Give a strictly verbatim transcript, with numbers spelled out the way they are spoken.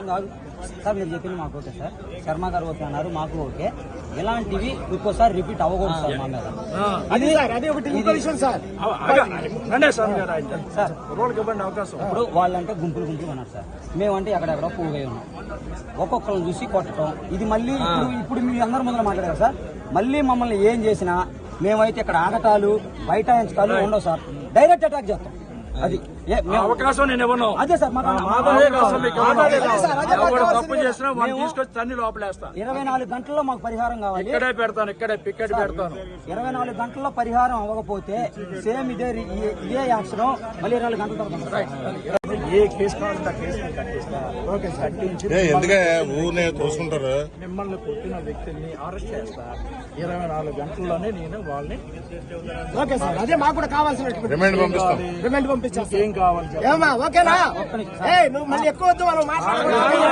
Sir మీరు చెప్పింది మాకు ఓకే సార్, శర్మ గారు ఓకే అన్నారు, మాకు ఓకే. ఇలాంటివి ఇంకోసారి రిపీట్ అవ్వకూడదు సార్ మా మీద. అది అది ఒకటి ఇంకో విషయం సార్. సార్ ఇప్పుడు వాళ్ళంటే గుంపులు గుంపులు ఉన్నారు సార్, మేమంటే ఎక్కడెక్కడో పోయి ఉన్నాం. ఒక్కొక్కరిని చూసి కొట్టడం ఇది మళ్ళీ ఇప్పుడు ఇప్పుడు మీ అందరి ముందర మాట్లాడారు సార్. మళ్ళీ మమ్మల్ని ఏం చేసినా మేమైతే ఇక్కడ ఆగటాలు బైఠాయించటాలు ఉండవు సార్, డైరెక్ట్ అటాక్ చేస్తాం. అది అవకాశం నేను ఇవ్వను. అదే సార్ తప్పు చేసినా వాళ్ళు తీసుకొచ్చి తన్ని లోపలేస్తా. ఇరవై నాలుగు గంటల్లో మాకు పరిహారం కావాలి. ఇక్కడే పెడతాను, ఇక్కడే పికెట్ పెడతాను. ఇరవై నాలుగు గంటల్లో పరిహారం అవ్వకపోతే సేమ్ ఇదే ఇదే యాక్షన్ మళ్ళీ ఇరవై నాలుగు గంటల తర్వాత ఏ కేసు కావాలంటే ఆ కేసు కట్టించి తోసుకుంటారు. మిమ్మల్ని కొట్టిన వ్యక్తిని అరెస్ట్ చేస్తా. ఇరవై నాలుగు గంటల్లోనే నేను వాళ్ళని ఓకే సార్, అదే మాకు కూడా కావాల్సిన రిమైండ్ పంపిస్తాం. రిమైండ్ పంపించాం. ఏం కావాలి ఏమా ఓకేనా? నువ్వు మళ్ళీ ఎక్కువ వద్దు మనం మాట్లాడాలి.